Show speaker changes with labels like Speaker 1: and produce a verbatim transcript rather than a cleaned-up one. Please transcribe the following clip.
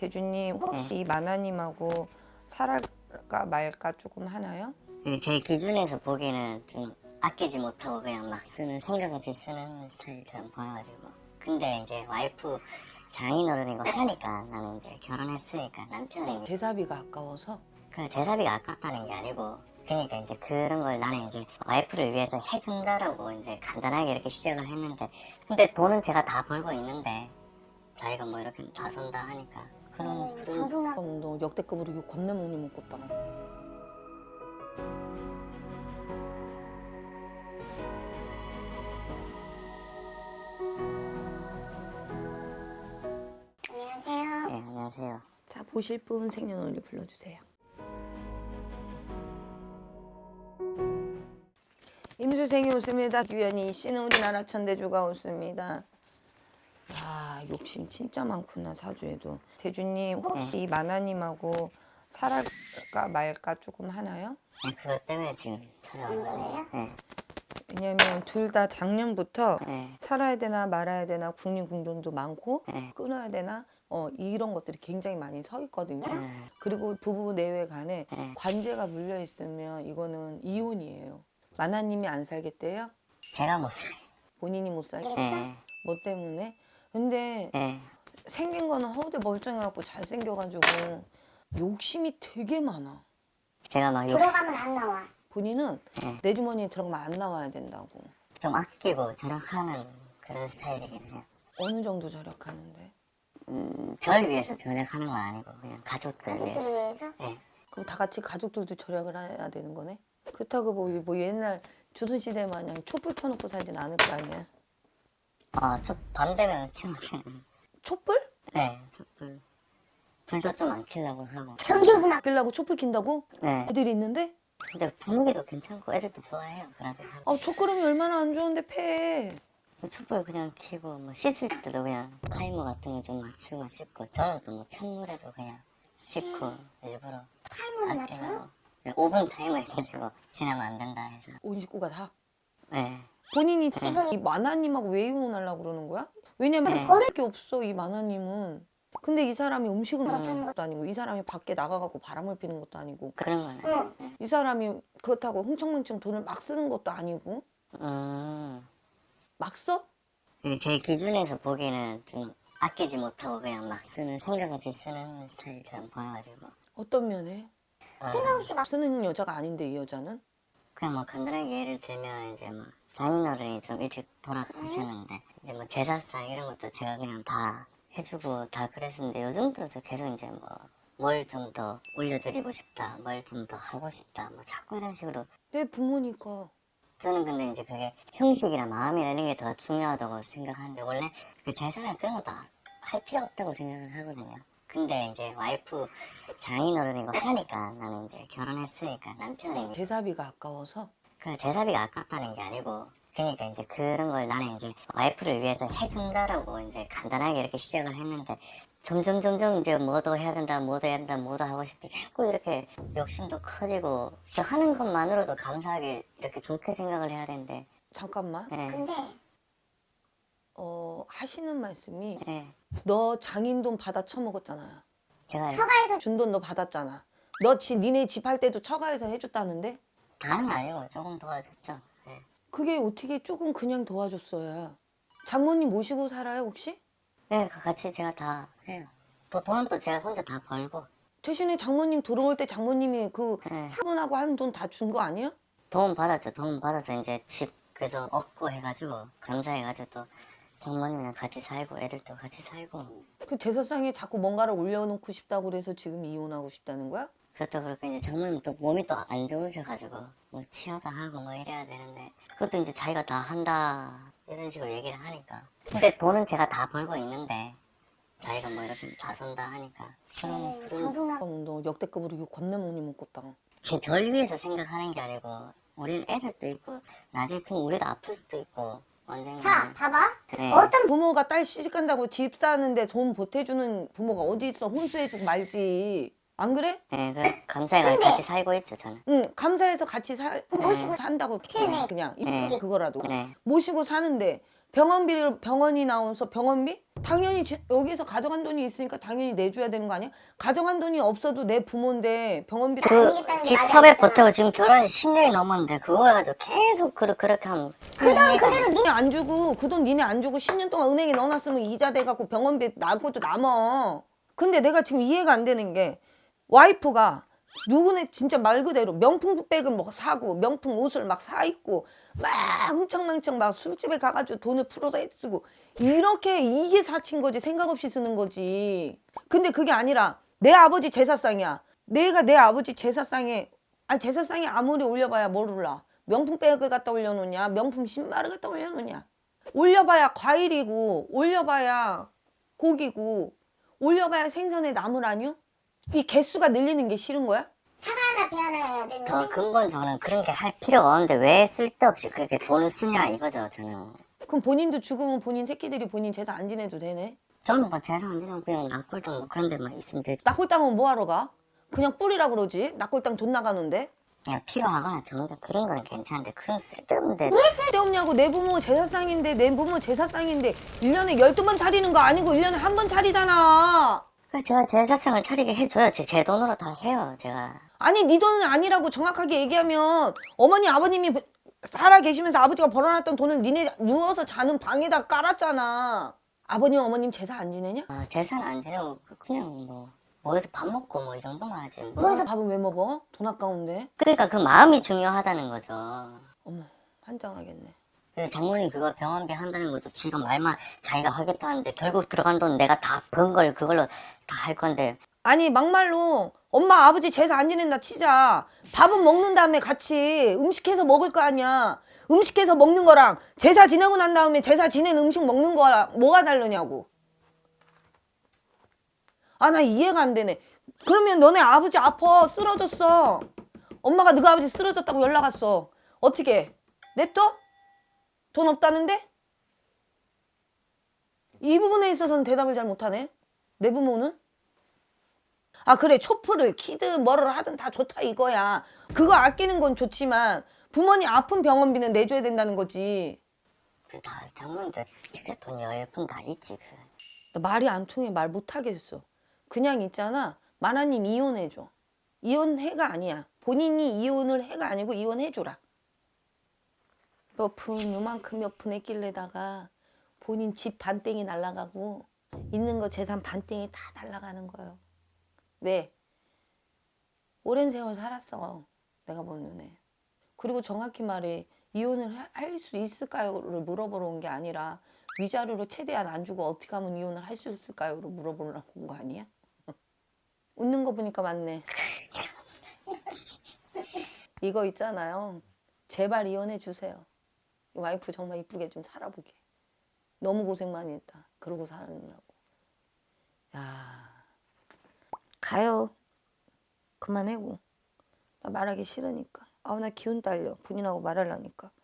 Speaker 1: 대주님 혹시 이 마나님하고 살아가 말까 조금 하나요?
Speaker 2: 그 제 기준에서 보기에는 좀 아끼지 못하고 그냥 막 쓰는 생각 없이 쓰는 스타일처럼 보여가지고. 근데 이제 와이프 장인어른이고 하니까 나는 이제 결혼했으니까 남편이
Speaker 1: 제사비가 아까워서?
Speaker 2: 그 제사비가 아깝다는 게 아니고, 그러니까 이제 그런 걸 나는 이제 와이프를 위해서 해준다라고 이제 간단하게 이렇게 시작을 했는데, 근데 돈은 제가 다 벌고 있는데 자기가 뭐 이렇게 나선다 하니까 그런 그런
Speaker 3: 방송 나
Speaker 1: 어, 너 역대급으로 욕 겁나 많이 먹었다.
Speaker 3: 안녕하세요.
Speaker 2: 네, 안녕하세요.
Speaker 1: 자, 보실 분 생년월일 불러주세요. 임수생이 웃습니다. 규현이 씨는 우리나라 천대주가 웃습니다. 아, 욕심 진짜 많구나, 사주에도. 대주님 혹시 이 마나님하고 살아가 말까 조금 하나요?
Speaker 2: 네, 그것 때문에 지금 찾아온 거예요. 네,
Speaker 1: 왜냐면 둘 다 작년부터
Speaker 2: 네,
Speaker 1: 살아야 되나 말아야 되나 국립공돈도 많고
Speaker 2: 네.
Speaker 1: 끊어야 되나 어, 이런 것들이 굉장히 많이 서 있거든요.
Speaker 2: 네.
Speaker 1: 그리고 부부 내외 간에
Speaker 2: 네.
Speaker 1: 관제가 물려 있으면 이거는 이혼이에요. 마나님이 안 살겠대요?
Speaker 2: 제가 못 살아요.
Speaker 1: 본인이 못 살겠대?
Speaker 2: 네,
Speaker 1: 뭐 때문에? 근데
Speaker 2: 네.
Speaker 1: 생긴 거는 허우대 멀쩡해갖고 잘생겨가지고 욕심이 되게 많아.
Speaker 2: 제가 막 욕심
Speaker 3: 들어가면 안 나와.
Speaker 1: 본인은
Speaker 2: 네.
Speaker 1: 내 주머니에 들어가면 안 나와야 된다고.
Speaker 2: 좀 아끼고 절약하는 그런 스타일이긴 해요.
Speaker 1: 어느 정도 절약하는데?
Speaker 2: 음, 절 위해서 절약하는 건 아니고 그냥 가족들
Speaker 3: 가족들을
Speaker 2: 위해서.
Speaker 3: 위해서.
Speaker 2: 네.
Speaker 1: 그럼 다 같이 가족들도 절약을 해야 되는 거네? 그렇다고 뭐, 뭐 옛날 조선시대 마냥 촛불 켜놓고 살진 않을 거 아니야?
Speaker 2: 아, 저밤 되면 켜놓게.
Speaker 1: 촛불?
Speaker 2: 네, 촛불. 불도 좀 안 켜려고 하고.
Speaker 3: 전기요금 아
Speaker 1: 아끼려고 촛불 킨다고?
Speaker 2: 네.
Speaker 1: 애들이 있는데?
Speaker 2: 근데 분위기도 괜찮고 애들도 좋아해요. 그러니까
Speaker 1: 아, 촛구름이 얼마나 안 좋은데 패.
Speaker 2: 촛불 그냥 켜고 뭐 씻을 때도 그냥 타이머 같은 거 좀 맞추고 씻고, 저는 또 뭐 찬물에도 그냥 씻고 일부러
Speaker 3: 타이머를
Speaker 2: 아끼려고.
Speaker 3: 맞춰요?
Speaker 2: 네, 오 분 타이머 해가지고 지나면 안 된다 해서.
Speaker 1: 온 식구가 다.
Speaker 2: 네.
Speaker 1: 본인이 지금 이 마나님하고 왜 이혼하려고 그러는 거야? 왜냐면
Speaker 2: 네.
Speaker 1: 버릴 게 없어, 이 마나님은. 근데 이 사람이 음식을
Speaker 3: 음.
Speaker 1: 못하는 것도 아니고 이 사람이 밖에 나가갖고 바람을 피는 것도 아니고
Speaker 2: 그런 거는.
Speaker 3: 응.
Speaker 1: 이 사람이 그렇다고 흥청망청 돈을 막 쓰는 것도 아니고
Speaker 2: 음.
Speaker 1: 막 써?
Speaker 2: 그 제 기준에서 보기에는 좀 아끼지 못하고 그냥 막 쓰는, 생각 없이 쓰는 스타일처럼 보여가지고.
Speaker 1: 어떤 면에?
Speaker 2: 어,
Speaker 3: 생각 없이 막
Speaker 1: 쓰는 여자가 아닌데 이 여자는?
Speaker 2: 그냥 뭐 간단하게 예를 들면 이제 뭐 장인어른이 좀 일찍 돌아가셨는데 이제 뭐 제사상 이런 것도 제가 그냥 다 해주고 다 그랬었는데, 요즘 들어서 계속 이제 뭐 뭘 좀 더 올려드리고 싶다, 뭘 좀 더 하고 싶다, 뭐 자꾸 이런 식으로.
Speaker 1: 내 부모니까.
Speaker 2: 저는 근데 이제 그게 형식이나 마음이나 이런 게 더 중요하다고 생각하는데, 원래 그 제사나 그런 거 다 할 필요 없다고 생각을 하거든요. 근데 이제 와이프 장인어른이고 하니까 나는 이제 결혼했으니까 남편이
Speaker 1: 제사비가 아까워서?
Speaker 2: 그 제사비가 아깝다는 게 아니고, 그러니까 이제 그런 걸 나는 이제 와이프를 위해서 해준다라고 이제 간단하게 이렇게 시작을 했는데, 점점 점점 이제 뭐도 해야 된다, 뭐도 해야 된다, 뭐도 하고 싶다, 자꾸 이렇게 욕심도 커지고, 저 하는 것만으로도 감사하게 이렇게 좋게 생각을 해야 되는데.
Speaker 1: 잠깐만.
Speaker 2: 예,
Speaker 3: 근데
Speaker 1: 어, 하시는 말씀이
Speaker 2: 예.
Speaker 1: 너 장인돈 받아 처먹었잖아.
Speaker 2: 제가
Speaker 3: 처가에서
Speaker 1: 준 돈 너 받았잖아. 너 지, 니네 집 할 때도 처가에서 해줬다는데?
Speaker 2: 다는 아니고 조금 도와줬죠. 예.
Speaker 1: 그게 어떻게 조금 그냥 도와줬어야. 장모님 모시고 살아요 혹시?
Speaker 2: 네, 같이 제가 다 해요. 또 돈은 또 제가 혼자 다 벌고.
Speaker 1: 대신에 장모님 들어올 때 장모님이 그
Speaker 2: 네.
Speaker 1: 차분하고 한 돈 다 준 거 아니야?
Speaker 2: 도움 받았죠. 도움 받아서 이제 집 그래서 얻고 해가지고 감사해가지고 또 장모님이랑 같이 살고 애들도 같이 살고.
Speaker 1: 그 제사상에 자꾸 뭔가를 올려놓고 싶다고 그래서 지금 이혼하고 싶다는 거야?
Speaker 2: 그것도 그렇고 이제 장모님 또 몸이 또 안 좋으셔가지고 뭐 치료도 하고 뭐 이래야 되는데, 그것도 이제 자기가 다 한다 이런 식으로 얘기를 하니까. 근데 돈은 제가 다 벌고 있는데 자기가 뭐 이렇게 나선다 하니까 그런
Speaker 3: 음,
Speaker 2: 그런
Speaker 3: 방송 나
Speaker 1: 어, 너 역대급으로 욕 겁나 많이 먹었다.
Speaker 2: 제 절 위해서 생각하는 게 아니고, 우리는 애들도 있고 나중에 그럼 우리도 아플 수도 있고 언젠가.
Speaker 3: 자, 봐봐.
Speaker 2: 네.
Speaker 3: 어떤
Speaker 1: 부모가 딸 시집간다고 집 사는데 돈 보태주는 부모가 어디 있어. 혼수해주고 말지. 안 그래?
Speaker 2: 네, 그 감사해가지고 같이 살고 있죠 저는.
Speaker 1: 응, 감사해서 같이 살,
Speaker 3: 모시고
Speaker 1: 산다고
Speaker 3: 네네.
Speaker 1: 그냥
Speaker 2: 네.
Speaker 1: 그거라도
Speaker 2: 네.
Speaker 1: 모시고 사는데 병원비를 병원이 나와서 병원비? 당연히 제- 여기서 가져간 돈이 있으니까 당연히 내줘야 되는 거 아니야? 가져간 돈이 없어도 내 부모인데 병원비를
Speaker 2: 그
Speaker 3: 게
Speaker 2: 집
Speaker 3: 맞아,
Speaker 2: 처백
Speaker 3: 맞아.
Speaker 2: 보태고 지금 결혼 십 년이 넘었는데 그거 가지고 계속 그, 그렇게 하면
Speaker 3: 그 돈 그대로 니
Speaker 1: 니네 안 주고 그 돈 니네 안 주고 십 년 동안 은행에 넣어놨으면 이자 돼갖고 병원비 나고도 남어. 근데 내가 지금 이해가 안 되는 게 와이프가 누구네 진짜 말 그대로 명품백을 뭐 사고 명품 옷을 막 사 입고 막 흥청망청 막 술집에 가가지고 돈을 풀어서 쓰고 이렇게 이게 사친 거지 생각 없이 쓰는 거지. 근데 그게 아니라 내 아버지 제사상이야. 내가 내 아버지 제사상에 아 제사상에 아무리 올려봐야 뭘 올라. 명품백을 갖다 올려놓냐 명품 신발을 갖다 올려놓냐. 올려봐야 과일이고 올려봐야 고기고 올려봐야 생선의 나물 아니요? 이 개수가 늘리는 게 싫은 거야?
Speaker 3: 사과 하나 배 하나 해야 되는데
Speaker 2: 더 근본적으로는 그런 게 할 필요가 없는데 왜 쓸데없이 그렇게 돈을 쓰냐 이거죠 저는.
Speaker 1: 그럼 본인도 죽으면 본인 새끼들이 본인 제사 안 지내도 되네?
Speaker 2: 저는 뭐 재산 안 지내고 그냥 낙골당 뭐 그런 데만 있으면 되죠.
Speaker 1: 낙골당은 뭐하러 가? 그냥 뿌리라 그러지? 낙골당 돈 나가는데?
Speaker 2: 그냥 필요하거나 정작 그런 거는 괜찮은데 그런 쓸데없는데
Speaker 1: 왜 쓸데없냐고. 내 부모 제사상인데 내 부모 제사상인데 일 년에 열두 번 차리는 거 아니고 일 년에 한 번 차리잖아.
Speaker 2: 제가 제사상을 차리게 해줘요. 제, 제 돈으로 다 해요 제가.
Speaker 1: 아니 네 돈은 아니라고 정확하게 얘기하면 어머니 아버님이 살아 계시면서 아버지가 벌어놨던 돈을 니네 누워서 자는 방에다 깔았잖아. 아버님 어머님 제사 안 지내냐?
Speaker 2: 어, 제사는 안 지내고 그냥 뭐 어디서 밥 먹고 뭐 이 정도만 하지 뭐.
Speaker 1: 그래서 밥은 왜 먹어? 돈 아까운데.
Speaker 2: 그러니까 그 마음이 중요하다는 거죠.
Speaker 1: 어머 환장하겠네.
Speaker 2: 그 장모님 그거 병원비 한다는 것도 지가 말만 자기가 하겠다 하는데 결국 들어간 돈 내가 다 번 걸 그걸로 다 할 건데.
Speaker 1: 아니 막말로 엄마 아버지 제사 안 지낸다 치자. 밥은 먹는 다음에 같이 음식해서 먹을 거 아니야. 음식해서 먹는 거랑 제사 지내고 난 다음에 제사 지낸 음식 먹는 거랑 뭐가 다르냐고. 아 나 이해가 안 되네. 그러면 너네 아버지 아파 쓰러졌어. 엄마가 너가 아버지 쓰러졌다고 연락 왔어. 어떻게 냅둬? 돈 없다는데? 이 부분에 있어서는 대답을 잘 못하네. 내 부모는? 아 그래 초프를 키든 뭐를 하든 다 좋다 이거야. 그거 아끼는 건 좋지만 부모님 아픈 병원비는 내줘야 된다는 거지.
Speaker 2: 그다 장모님도 있을 돈 열 푼 다 있지 그.
Speaker 1: 나 말이 안 통해. 말 못하겠어. 그냥 있잖아. 마나님 이혼해줘. 이혼해가 아니야. 본인이 이혼을 해가 아니고 이혼해줘라. 몇 푼 요만큼 몇 푼 했길래다가 본인 집 반땡이 날라가고 있는 거 재산 반땡이 다 날라가는 거예요. 왜? 오랜 세월 살았어. 내가 본 눈에. 그리고 정확히 말해 이혼을 할 수 있을까요?를 물어보러 온 게 아니라 위자료로 최대한 안 주고 어떻게 하면 이혼을 할 수 있을까요?를 물어보려고 온 거 아니야? 웃는 거 보니까 맞네. 이거 있잖아요. 제발 이혼해 주세요. 와이프 정말 이쁘게 좀 살아보게. 너무 고생 많이 했다. 그러고 살느라고. 야, 가요. 그만해고. 나 말하기 싫으니까. 아우 나 기운 딸려. 본인하고 말하려니까.